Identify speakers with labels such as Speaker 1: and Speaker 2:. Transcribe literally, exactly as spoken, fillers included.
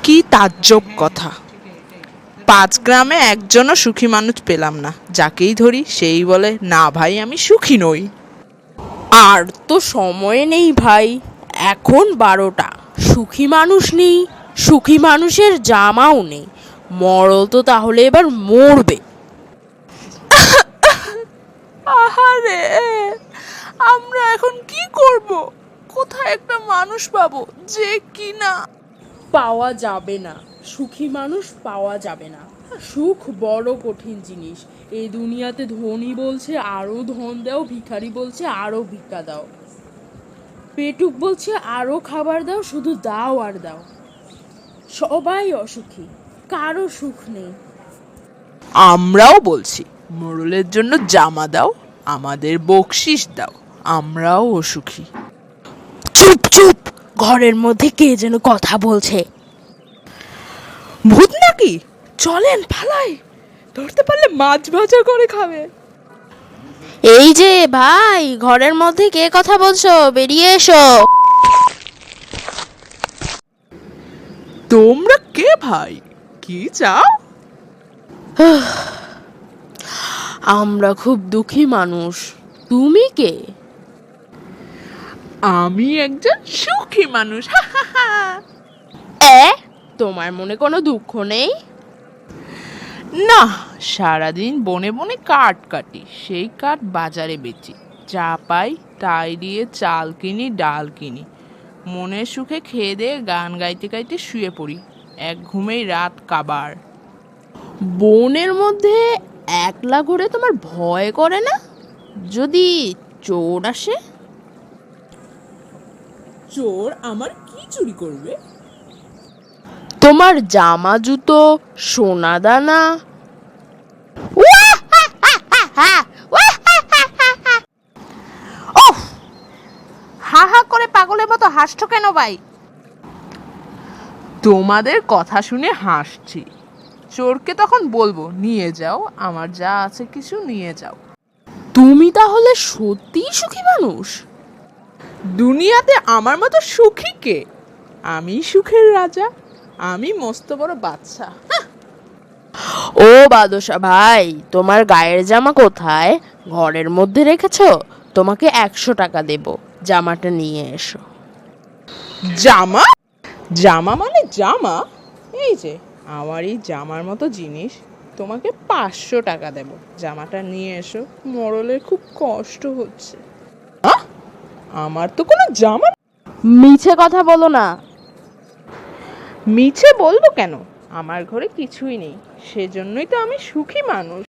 Speaker 1: কি তাজ্জব কথা! পাঁচ গ্রামে একজনও সুখী মানুষ পেলাম না, যাকেই ধরি সেই বলে না ভাই আমি সুখী নই।
Speaker 2: আর তো সময় নেই ভাই, এখন বারোটা, সুখী মানুষ নেই, সুখী মানুষের জামাও নেই, মরল তো তাহলে এবার মরবে।
Speaker 1: আহারে, আমরা এখন কি করব? কোথায় একটা মানুষ পাবো যে কিনা
Speaker 2: পাওয়া যাবে না, সুখী মানুষ পাওয়া যাবে না। সুখ বড় কঠিন জিনিস। এই দুনিয়াতে ধনী বলছে আরো ধন দাও, ভিখারি বলছে আরো ভিক্ষা দাও, পেটুক বলছে আরো খাবার দাও, শুধু দাও আর দাও। সবাই অসুখী, কারো সুখ নেই।
Speaker 1: আমরাও বলছি মোড়লের জন্য জামা দাও, আমাদের বকশিস দাও, আমরাও অসুখী।
Speaker 2: চুপ চুপ, ঘরের মধ্যে কে যেন কথা বলছে।
Speaker 1: ভূত নাকি? চলেন পালাই, ধরতে পারলে মাছ ভাজা করে খাবে।
Speaker 2: এই যে ভাই, ঘরের মধ্যে কে কথা বলছো, বেরিয়ে এসো।
Speaker 1: তোমরা কে ভাই, কি চাও?
Speaker 2: আমরা খুব দুঃখী মানুষ, তুমি কে?
Speaker 1: আমি একজন সুখী মানুষ।
Speaker 2: এ, তোমার মনে কোনো দুঃখ নেই?
Speaker 1: না, সারাদিন বনে বনে কাঠ কাটি, সেই কাঠ বাজারে বেচি, যা পাই তাই দিয়ে চাল কিনি, ডাল কিনি, মনের সুখে খেয়ে দিয়ে গান গাইতে গাইতে শুয়ে পড়ি, এক ঘুমেই রাত কাবার।
Speaker 2: বনের মধ্যে একলা ঘুরে তোমার ভয় করে না, যদি চোর আসে?
Speaker 1: চোর আমার কি চুরি করবে?
Speaker 2: তোমার জামা জুতো সোনা দানা।
Speaker 3: ওহ, হা হা করে পাগলের মতো হাসছো কেন ভাই?
Speaker 1: তোমাদের কথা শুনে হাসছি। চোরকে তখন বলবো নিয়ে যাও, আমার যা আছে কিছু নিয়ে যাও।
Speaker 2: তুমি তাহলে সত্যিই সুখী মানুষ?
Speaker 1: দুনিয়াতে আমার মতো সুখী কে? আমি সুখের রাজা, আমি মস্ত বড় বাদশা।
Speaker 2: ও বাদশা ভাই, তোমার গায়ের জামা কোথায়? ঘরের মধ্যে রেখেছো? তোমাকে একশো টাকা দেব, জামাটা নিয়ে এসো।
Speaker 1: জামা? জামা মানে জামা? এই যে আমার এই জামার মতো জিনিস, তোমাকে পাঁচশো টাকা দেব, জামাটা নিয়ে এসো, মরলের খুব কষ্ট হচ্ছে। আহ, আমার তো কোনো জামা।
Speaker 2: মিছে কথা বলো না।
Speaker 1: মিছে বলবো কেন? আমার ঘরে কিছুই নেই, সেজন্যই তো আমি সুখী মানুষ।